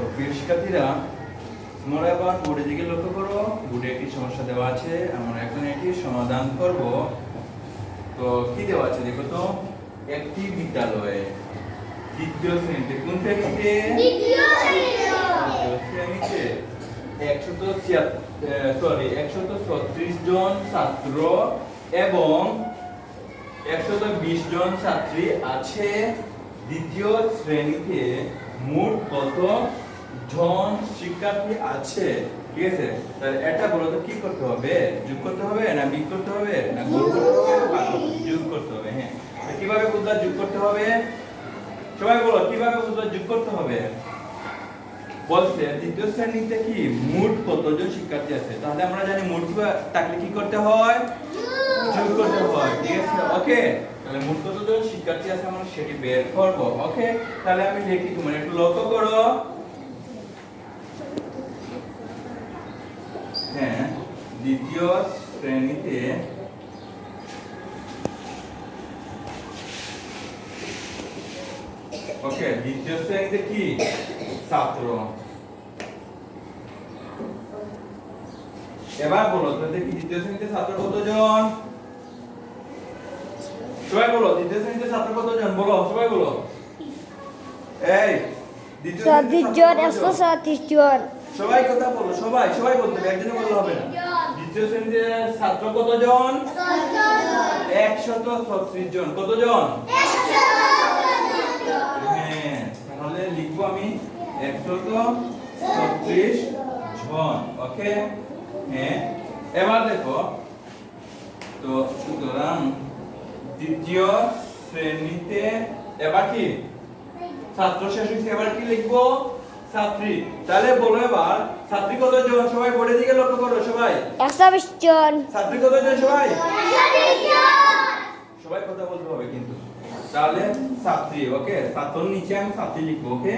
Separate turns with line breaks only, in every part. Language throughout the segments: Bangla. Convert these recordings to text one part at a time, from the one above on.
প্রিয় শিক্ষার্থীরা, তোমরা এবার বোর্ডের দিকে লক্ষ্য করো। বোর্ডে একটি সমস্যা দেওয়া আছে, আমরা এখন এটি সমাধান করব। তো কি দেওয়া আছে দেখো তো। একটি বিদ্যালয়ে দ্বিতীয় শ্রেণীতে, কোন শ্রেণীতে? দ্বিতীয় শ্রেণীতে 136 জন ছাত্র এবং 120 জন ছাত্রী আছে। দ্বিতীয় শ্রেণীতে মোট কত জন শিক্ষার্থী আছে? ঠিক আছে, তাহলে এটা বলো তো কি করতে হবে? যোগ করতে হবে না বিয়োগ করতে হবে না গুণ করতে হবে না ভাগ করতে হবে? যোগ করতে হবে। হ্যাঁ, কিভাবে বুঝলা যোগ করতে হবে? সবাই বলো কিভাবে বুঝলা যোগ করতে হবে? বলছে দ্বিতীয় শ্রেণীতে কি মোট কতজন শিক্ষার্থী আছে, তাহলে আমরা জানি মোট থাকলে কি করতে হয়? যোগ করতে হয়। ঠিক আছে, ওকে। তাহলে মোট কতজন শিক্ষার্থী আছে আমরা সেটি বের করব। ওকে, তাহলে আমি লিখি, তোমরা একটু লক্ষ্য করো। হ্যাঁ, দ্বিতীয় শ্রেণীতে ওকে দ্বিতীয় শ্রেণীতে কি ছাত্র। এবার বলো তো দেখি দ্বিতীয় শ্রেণীতে ছাত্র কতজন? সবাই বলো দ্বিতীয় শ্রেণীতে ছাত্র কতজন? বলো সবাই বলো। এই দ্বিতীয় শ্রেণীতে
137 জন।
সবাই কথা বলো, সবাই সবাই বলতে হবে, একজনে বললে হবে না। দ্বিতীয় শ্রেণীতে ছাত্র কতজন? 136 জন। কতজন? 136 জন। হ্যাঁ, তাহলে লিখবো আমি 136 জন। ওকে, হ্যাঁ। এবার দেখো তো, সুতরাং দ্বিতীয় শ্রেণীতে এবার কি ছাত্র শেষ হয়েছে, এবার কি লিখবো? ছাত্রী। তাহলে বলো এবার ছাত্রী কতজন? সবাই বোর্ডের দিকে লক্ষ্য করো। সবাই
120 জন।
ছাত্রী কতজন? সবাই 120 জন। সবাই কথা বলতে হবে কিন্তু। তাহলে ছাত্রী, ওকে, ছাত্রর নিচে আমি ছাত্রী লিখবো। ওকে,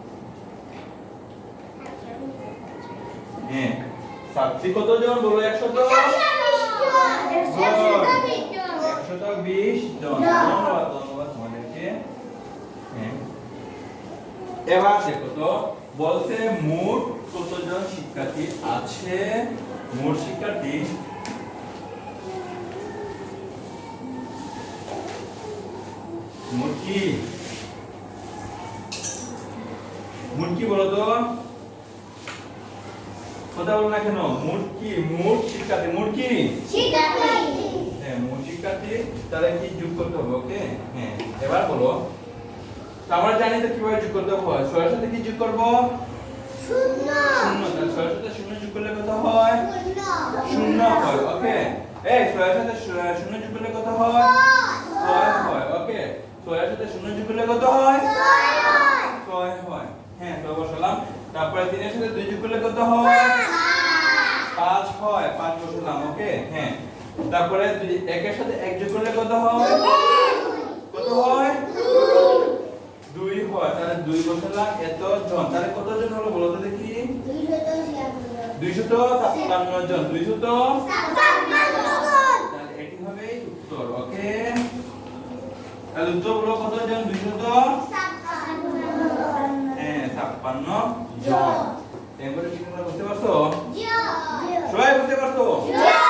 হ্যাঁ। ছাত্রী কতজন? বলো 120 জন। ধন্যবাদ তোমাদেরকে। হ্যাঁ, এবার দেখো তো, বলছে মোট কতজন শিক্ষার্থী আছে? মোট শিক্ষার্থী মোট কি বলো তো, কথা বলো না কেন? মোট কি? মোট শিক্ষার্থী। মোট কি? শিক্ষার্থী। হ্যাঁ, মোট শিক্ষার্থী। তাহলে কি যোগ করতে হবে? ওকে, হ্যাঁ। এবার বলো, আমরা জানি তো কিভাবে যোগ করতে হয়। 6 এর সাথে কি যোগ করব? শূন্য। শূন্য। তাহলে 6 এর সাথে শূন্য যোগ করলে কত হয়? শূন্য হয়। ওকে, এই 6 এর সাথে শূন্য যোগ করলে কত হয়? 6 হয়। ওকে, 6 এর সাথে শূন্য যোগ করলে কত হয়? 6 হয়। হ্যাঁ, তো বসালাম। তারপরে 3 এর সাথে 2 যোগ করলে কত হয়? 5 হয়। 5 বসালাম। ওকে, হ্যাঁ। তারপরে 1 এর সাথে 1 যোগ করলে কত হয়? কত হয়? 2 হয়। তাহলে 2 বসালাম। এত জন, তাহলে কতজন হলো বলো তো দেখি? 256 জন। 256 জন। তাহলে এটি হবে উত্তর। ওকে, তাহলে উত্তর হলো কতজন? 256 জন। এবারে কি তোমরা বুঝতে পারছো? সবাই বুঝতে পারছো?